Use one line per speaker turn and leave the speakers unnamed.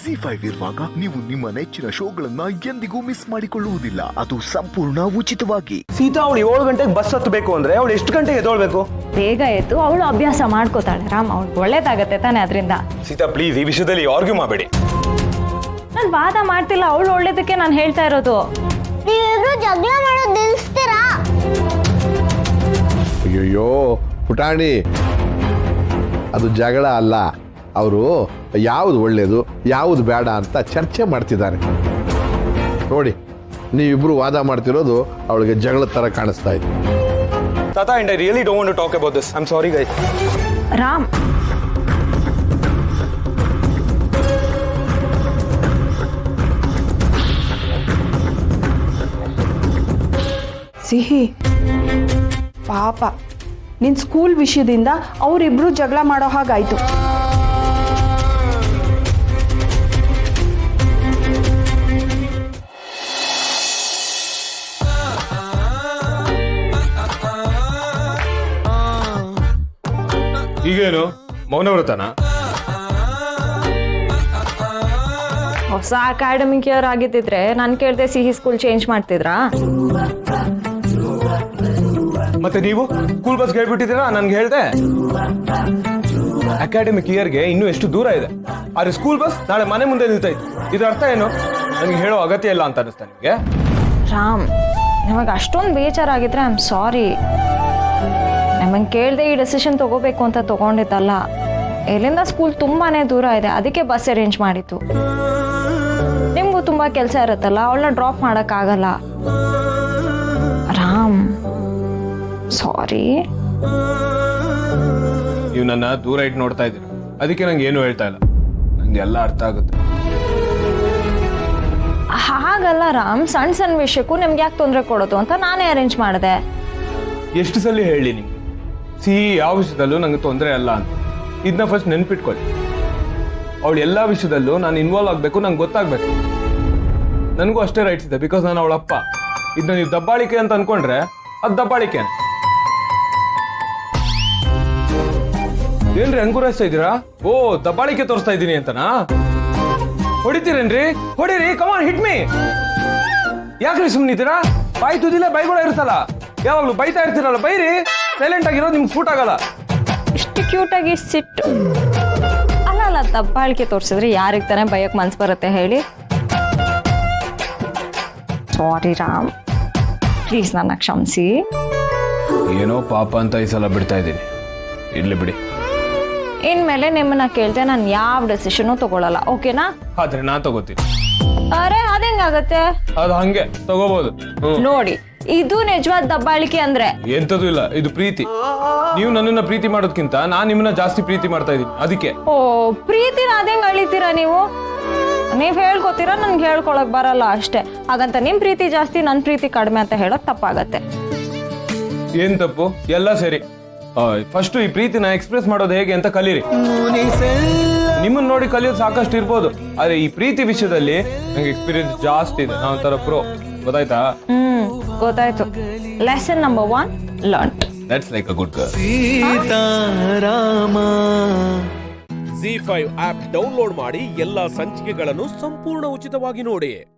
ZEE5 ಇರುವಾಗ ನೀವು ನಿಮ್ಮ ನೆಚ್ಚಿನ ಶೋಗಳನ್ನ ಎಂದಿಗೂ ಮಿಸ್ ಮಾಡಿಕೊಳ್ಳುವುದಿಲ್ಲ. ಅದು ಸಂಪೂರ್ಣ ಉಚಿತವಾಗಿ.
ಸೀತಾ ಅವಳು 7 ಗಂಟೆಗೆ ಬಸ್ ಹತ್ತಬೇಕು ಅಂದ್ರೆ ಅವಳು ಎಷ್ಟು ಗಂಟೆಗೆ ಎದ್ದೇಳಬೇಕು?
ಬೇಗ ಎದ್ದು ಅವಳು ಅಭ್ಯಾಸ ಮಾಡ್ಕೋತಾಳೆ ರಾಮ್. ಅವಳು ಒಳ್ಳೇದಾಗತ್ತೆ ತಾನೆ ಅದರಿಂದ.
ಸೀತಾ ಪ್ಲೀಸ್ ಈ ವಿಷಯದಲ್ಲಿ ಆರ್ಗ್ಯೂ ಮಾಡಬೇಡಿ.
ನಾನು ವಾದ ಮಾಡ್ತಿಲ್ಲ, ಅವಳು ಒಳ್ಳೇದಕ್ಕೆ ನಾನು ಹೇಳ್ತಾ ಇರೋದು.
ನೀವಿಬ್ರು ಜಗಳ ಮಾಡೋದು ನಿಲ್ಲಿಸ್ತೀರಾ?
ಅಯ್ಯೋ ಪುಟಾಣಿ, ಅದು ಜಗಳ ಅಲ್ಲ. ಅವರು ಯಾವುದು ಒಳ್ಳೇದು ಯಾವುದು ಬೇಡ ಅಂತ ಚರ್ಚೆ ಮಾಡ್ತಿದ್ದಾರೆ. ನೋಡಿ, ನೀವಿಬ್ರು ವಾದ ಮಾಡ್ತಿರೋದು ಅವಳಿಗೆ ಜಗಳ ತರ ಕಾಣಿಸ್ತಾ ಇದೆ.
ತಾತಾ, and I really don't want to talk about this. I'm sorry guys.
Ram,
ಸಿಹಿ ಪಾಪ, ನಿನ್ನ ಸ್ಕೂಲ್ ವಿಷಯದಿಂದ ಅವರಿಬ್ರು ಜಗಳ ಮಾಡೋ ಹಾಗಾಯ್ತು.
ಈಗೇನು ಮೌನವ್ರತನ?
ಹೊಸ ಅಕಾಡೆಮಿಕ್ ಇಯರ್ ಆಗಿದ್ದಿದ್ರೆ ನಾನು ಕೇಳ್ದೆ ಸಿಹಿ ಸ್ಕೂಲ್ ಚೇಂಜ್ ಮಾಡ್ತಿದ್ರಾ?
ಮತ್ತೆ ನೀವು ಸ್ಕೂಲ್ ಬಸ್ ಹೇಳ್ಬಿಟ್ಟಿದ್ದೀರಾ? ನನ್ಗೆ ಹೇಳ್ದೆ ಅಕಾಡೆಮಿಕ್ ಇಯರ್ಗೆ ಇನ್ನೂ ಎಷ್ಟು ದೂರ ಇದೆ, ಆದ್ರೆ ಸ್ಕೂಲ್ ಬಸ್ ನಾಳೆ ಮನೆ ಮುಂದೆ ನಿಲ್ತೈತೆ. ಇದ್ರ ಅರ್ಥ ಏನು? ನನಗೆ ಹೇಳೋ ಅಗತ್ಯ ಇಲ್ಲ ಅಂತ ಅನಿಸ್ತಾ ನಿಮ್ಗೆ?
ರಾಮ್, ನಿಮಗೆ ಅಷ್ಟೊಂದು ಬೇಜಾರಾಗಿದ್ರೆ ಐ ಆಮ್ ಸಾರಿ. ನಮಗೆ ಕೇಳ್ದೆ ಈ ಡೆಸಿಷನ್ ತಗೋಬೇಕು ಅಂತ ತಗೊಂಡಿದ್ದಲ್ಲ. ಎಲ್ಲಿಂದ ಸ್ಕೂಲ್ ತುಂಬಾನೇ ದೂರ ಇದೆ, ಅದಕ್ಕೆ ಬಸ್ ಅರೇಂಜ್ ಮಾಡಿತ್ತು. ನಿಮ್ಗೂ ತುಂಬಾ ಕೆಲಸ ಇರುತ್ತಲ್ಲ, ಅವಳನ್ನ ಡ್ರಾಪ್ ಮಾಡೋಕ್ಕಾಗಲ್ಲ. ರಾಮ್, ಸಾರಿ.
ನೀವು ನನ್ನ ದೂರ ಇಟ್ಟು ನೋಡ್ತಾ ಇದ್ದೀರಾ, ಅದಕ್ಕೆ ನಂಗೆ ಏನು ಹೇಳ್ತಾ ಇಲ್ಲ. ನಂಗೆ ಎಲ್ಲ ಅರ್ಥ ಆಗುತ್ತೆ.
ಹಾಗಲ್ಲ ರಾಮ್, ಸಣ್ಣ ಸಣ್ಣ ವಿಷಯಕ್ಕೂ ನಿಮ್ಗೆ ಯಾಕೆ ತೊಂದರೆ ಕೊಡೋದು ಅಂತ ನಾನೇ ಅರೇಂಜ್ ಮಾಡಿದೆ.
ಎಷ್ಟು ಸಲ ಹೇಳಿ ನಿಮ್ಗೆ ಸಿಹಿ ಯಾವ ವಿಷಯದಲ್ಲೂ ನಂಗೆ ತೊಂದರೆ ಅಲ್ಲ ಅಂತ. ಇದನ್ನ ಫಸ್ಟ್ ನೆನ್ಪಿಟ್ಕೊಳ್ಳಿ. ಅವಳು ಎಲ್ಲ ವಿಷಯದಲ್ಲೂ ನಾನು ಇನ್ವಾಲ್ವ್ ಆಗಬೇಕು, ನಂಗೆ ಗೊತ್ತಾಗ್ಬೇಕು. ನನಗೂ ಅಷ್ಟೇ ರೈಟ್ಸ್ ಇದೆ, ಬಿಕಾಸ್ ನಾನು ಅವಳ ಅಪ್ಪ. ಇದನ್ನ ನೀವು ದಬ್ಬಾಳಿಕೆ ಅಂತ ಅನ್ಕೊಂಡ್ರೆ ಅದು ದಬ್ಬಾಳಿಕೆ. ಏನ್ರಿ ಅಂಗುರಾಯಿಸ್ತಾ ಇದ್ದೀರಾ? ಓ, ದಬ್ಬಾಳಿಕೆ ತೋರಿಸ್ತಾ ಇದ್ದೀನಿ ಅಂತನಾ? ಹೊಡಿತೀರೇನ್ರಿ? ಹೊಡಿರಿ, ಕಮಾನ್ ಹಿಟ್ ಮೀ. ಯಾಕ್ರಿ ಸುಮ್ಮನಿದ್ದೀರಾ? ಬಾಯಿ ತುದಿಲ್ಲ ಬೈಗಳು ಇರ್ತಲ್ಲ, ಯಾವಾಗ್ಲೂ ಬೈತಾ ಇರ್ತೀರಲ್ಲ, ಬೈರಿ. ಸೈಲೆಂಟ್ ಆಗಿರೋದು ನಿಮ್ಗೆ ಸೂಟ್ ಆಗಲ್ಲ.
ಇಷ್ಟು ಕ್ಯೂಟ್ ಆಗಿ ಸಿಟ್ಟು ಅಲ್ಲ, ದಬ್ಬಾಳಿಕೆ ತೋರಿಸಿದ್ರೆ ಯಾರಿಗೆ ತಾನೇ ಬಯಕ್ ಮನ್ಸು ಬರುತ್ತೆ ಹೇಳಿ? ಸಾರಿ ರಾಮ್, ಪ್ಲೀಸ್ ನನ್ನ ಕ್ಷಮಿಸಿ.
ಏನೋ ಪಾಪ ಅಂತ ಈ ಸಲ ಬಿಡ್ತಾ ಇದ್ದೀನಿ. ಇರ್ಲಿ ಬಿಡಿ.
ಇನ್ಮೇಲೆ ನಿಮ್ಮನ್ನ ಕೇಳ್ದೆ ನಾನು ಯಾವ ಡೆಸಿಷನು ತಗೊಳಲ್ಲ, ಓಕೆನಾ?
ಆದ್ರೆ ನಾ ತಗೋತೀನಿ.
ಅರೆ ಅದೇಂಗಾಗತ್ತೆ?
ಅದು ಹಂಗೆ ತಗೋಬಹುದು.
ನೋಡಿ, ಇದು ನಿಜವಾದ ದಬ್ಬಾಳಿಕೆ ಅಂದ್ರೆ
ಎಂತದೂ ಇಲ್ಲ, ಇದು ಪ್ರೀತಿ. ನೀವು ನನ್ನನ್ನ ಪ್ರೀತಿ ಮಾಡೋದಕ್ಕಿಂತ ನಾನ್ ನಿಮ್ಮನ್ನ ಜಾಸ್ತಿ ಪ್ರೀತಿ ಮಾಡ್ತಾ ಇದ್ದೀನಿ, ಅದಕ್ಕೆ.
ಓ, ಪ್ರೀತಿನ ಅದೇಂಗ್ ಅಳಿತೀರಾ ನೀವು? ನೀವ್ ಹೇಳ್ಕೊತೀರಾ, ನನ್ಗೆ ಹೇಳ್ಕೊಳಕ್ ಬರಲ್ಲ ಅಷ್ಟೇ. ಹಾಗಂತ ನಿಮ್ ಪ್ರೀತಿ ಜಾಸ್ತಿ ನನ್ ಪ್ರೀತಿ ಕಡಿಮೆ ಅಂತ ಹೇಳೋಕ್ ತಪ್ಪಾಗತ್ತೆ.
ಏನ್ ತಪ್ಪು? ಎಲ್ಲ ಸರಿ. ಫಸ್ಟ್ ಈ ಪ್ರೀತಿನ ಎಕ್ಸ್ಪ್ರೆಸ್ ಮಾಡೋದು ಹೇಗೆ ಅಂತ ಕಲೀರಿ. ನಿಮ್ಮನ್ನ ನೋಡಿ ಕಲಿಯೋದು ಸಾಕಷ್ಟು ಇರ್ಬೋದು, ಆದ್ರೆ ಈ ಪ್ರೀತಿ ವಿಷಯದಲ್ಲಿ ನಂಗೆ ಎಕ್ಸ್ಪೀರಿಯನ್ಸ್ ಜಾಸ್ತಿ ಇದೆ. ನಾನು ಒಂಥರ ಪ್ರೋ, ಗೊತ್ತಾಯ್ತಾ?
ಗೊತ್ತಾಯ್ತು. Lesson number 1 learn.
That's like a good girl.
ZEE5 app download ಮಾಡಿ ಎಲ್ಲಾ ಸಂಚಿಕೆಗಳನ್ನು ಸಂಪೂರ್ಣ ಉಚಿತವಾಗಿ ನೋಡಿ.